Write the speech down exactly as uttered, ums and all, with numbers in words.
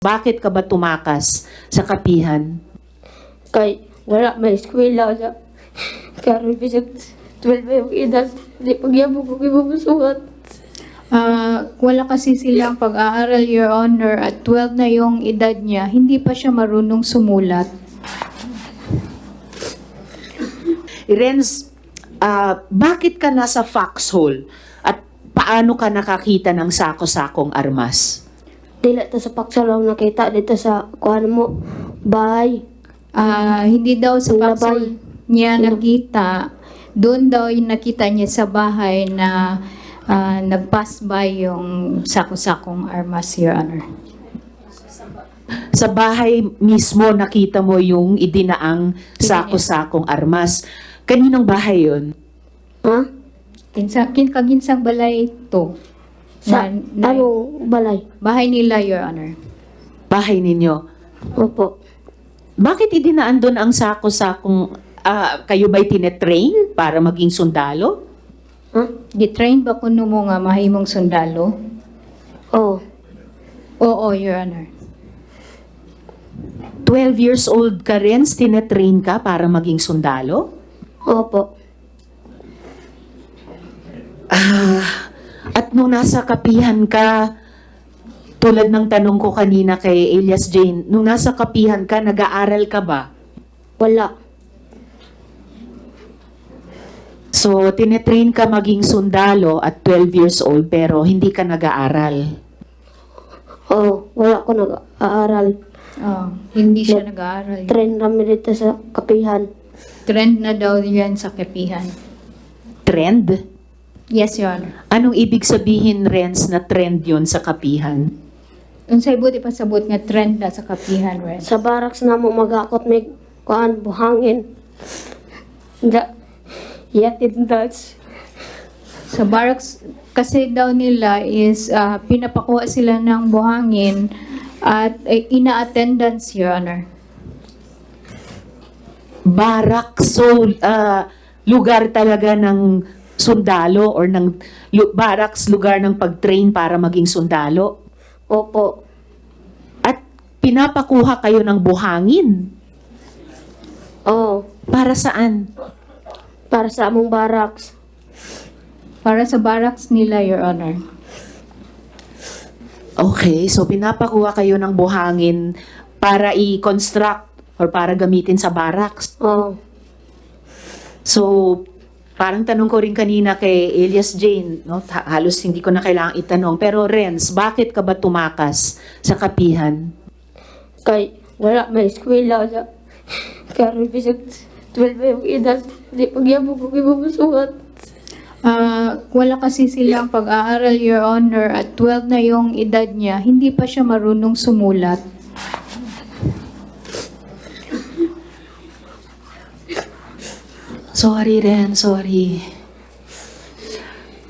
Bakit ka ba tumakas sa kapihan? Kay wala may eskwela na. Karon bisag twelve yung edad, di pagyabog ko ibubusuhat. Ah, wala kasi silang pag-aaral, Your Honor, at twelve na yung edad niya, hindi pa siya marunong sumulat. Renz, ah, bakit ka nasa foxhole? At paano ka nakakita ng sako-sakong armas? Dila ta sa paksalaw nakita dito sa kuhan mo bahay. Ah, hindi daw sa Yung paksol labay. niya Yung- nakita, doon daw yung nakita niya sa bahay na ah, nag-pass by yung sako-sakong armas, Your Honor. Sa bahay mismo nakita mo yung idinaang sako-sakong armas. Kaninong bahay yun? Ha? Kinsa, kin, kaginsang balay to. Sa Na- na- anong balay? bahay nila, Your Honor. Bahay ninyo. Opo. Bakit idinaan doon ang sako-sakong, ah, kayo ba'y tinetrain para maging sundalo? Ha? Gitrain ba kuno mo nga mahimong sundalo? Oh. Oo, Your Honor. twelve years old ka rin, tinetrain ka para maging sundalo? Opo. Ah, at nung nasa kapihan ka, tulad ng tanong ko kanina kay Elias Jane, nung nasa kapihan ka, nag-aaral ka ba? Wala. So, tinetrain ka maging sundalo at twelve years old pero hindi ka nag-aaral. Oh, wala ko nag-aaral. Oh, hindi siya nag-aaral. Train kami dito sa kapihan. Trend na daw yan sa kapihan. Trend? Yes, Your Honor. Anong ibig sabihin, Renz, na trend yon sa kapihan? Unsay buti pa sabot nga trend na sa kapihan, Ren. Sa barracks na mo magakot may kuhan buhangin. Da, yatid dats. Sa barracks kasi daw nila is ah, pinapakuha sila ng buhangin at eh, ina-attendance, Your Honor. Barak, so ah, lugar talaga ng sundalo or ng lu- barracks, lugar ng pag-train para maging sundalo. Opo. At pinapakuha kayo ng buhangin. Oh, Para saan? para sa among barracks. Para sa barracks nila, Your Honor. Okay, so pinapakuha kayo ng buhangin para i-construct or para gamitin sa barracks. Oh, So, parang tanong ko rin kanina kay Elias Jane, no? Ha- halos hindi ko na kailangang itanong. Pero Renz, bakit ka ba tumakas sa kapihan? kay wala may eskwela na. Karon bisag twelve yung edad, di pagyabog ko ibubusuhat. Ah, wala kasi silang pag-aaral, Your Honor, at twelve na yung edad niya, hindi pa siya marunong sumulat. Sorry, Ren, sorry.